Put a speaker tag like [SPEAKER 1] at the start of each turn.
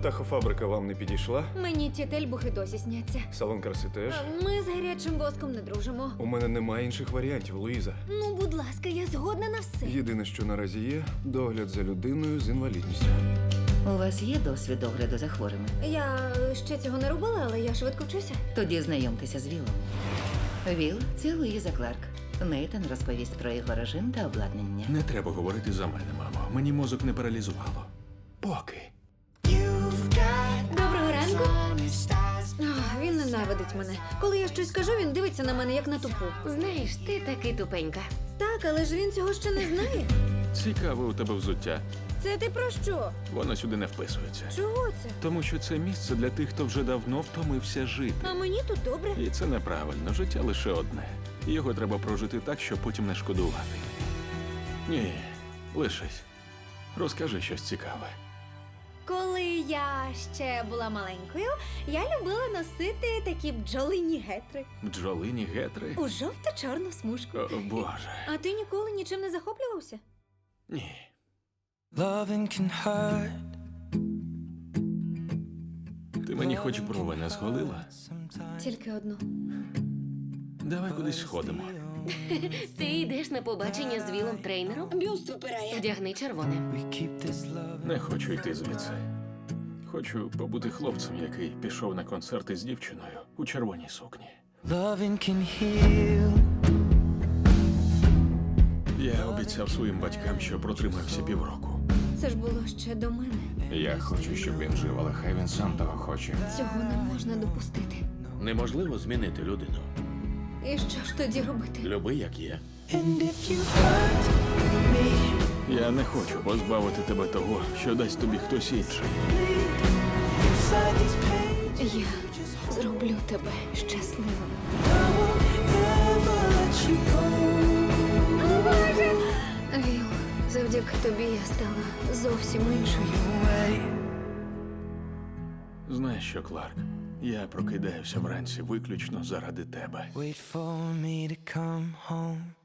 [SPEAKER 1] птахофабрика вам не підійшла?
[SPEAKER 2] Мені ті тельбухи досі сняться.
[SPEAKER 1] Салон краси теж?
[SPEAKER 2] Ми з гарячим воском не дружимо.
[SPEAKER 1] У мене немає інших варіантів, Луїза.
[SPEAKER 2] Ну, будь ласка, я згодна на все.
[SPEAKER 1] Єдине, що наразі є, догляд за людиною з інвалідністю.
[SPEAKER 3] У вас є досвід догляду за хворими?
[SPEAKER 2] Я ще цього не робила, але я швидко вчуся.
[SPEAKER 3] Тоді знайомтеся з Вілом. Віл – це Луїза Кларк. Нейтан розповість про його режим та обладнання.
[SPEAKER 4] Не треба говорити за мене, мамо. Мені мозок не паралізувало. Поки.
[SPEAKER 2] Доброго ранку. Він ненавидить мене. Коли я щось кажу, він дивиться на мене як на тупу.
[SPEAKER 5] Знаєш, ти таки тупенька.
[SPEAKER 2] Так, але ж він цього ще не знає.
[SPEAKER 4] Цікаве у тебе взуття.
[SPEAKER 2] Це ти про що?
[SPEAKER 4] Воно сюди не вписується.
[SPEAKER 2] Чого це?
[SPEAKER 4] Тому що це місце для тих, хто вже давно втомився жити.
[SPEAKER 2] А мені тут добре.
[SPEAKER 4] І це неправильно. Життя лише одне. І його треба прожити так, щоб потім не шкодувати. Ні, лишись. Розкажи щось цікаве.
[SPEAKER 2] Коли я ще була маленькою, я любила носити такі бджолині гетри
[SPEAKER 4] Бджолині гетри?
[SPEAKER 2] у жовто-чорну смужку.
[SPEAKER 4] О, Боже.
[SPEAKER 2] А ти ніколи нічим не захоплювався?
[SPEAKER 4] Ні.
[SPEAKER 6] Loving can hurt.
[SPEAKER 4] Ти мені хоч брови не зголила?
[SPEAKER 2] Тільки одну.
[SPEAKER 4] Давай кудись сходимо.
[SPEAKER 5] Ти йдеш на побачення з Вілом тренером? Бюст випирає. Вдягни червоне.
[SPEAKER 6] We keep this love.
[SPEAKER 4] Не хочу йти звідси. Хочу побути хлопцем, який пішов на концерти з дівчиною у червоній сукні.
[SPEAKER 6] Loving can heal.
[SPEAKER 4] Я обіцяв своїм батькам, що протримався півроку.
[SPEAKER 2] Це ж було ще до мене.
[SPEAKER 4] Я хочу, щоб він жив, але хай він сам того хоче.
[SPEAKER 2] Цього не можна допустити.
[SPEAKER 7] Неможливо змінити людину.
[SPEAKER 2] І що ж тоді робити?
[SPEAKER 7] Люби, як є.
[SPEAKER 6] And if you hurt me,
[SPEAKER 4] Я не хочу позбавити тебе того, що дасть тобі хтось інший.
[SPEAKER 6] inside these pages,
[SPEAKER 2] Я зроблю тебе щасливим.
[SPEAKER 6] I won't ever let you go.
[SPEAKER 2] Віл, завдяки тобі я стала зовсім іншою.
[SPEAKER 6] Away.
[SPEAKER 4] Знаєш що, Кларк? Я прокидаюся вранці виключно заради тебе.
[SPEAKER 6] Wait for me to come home.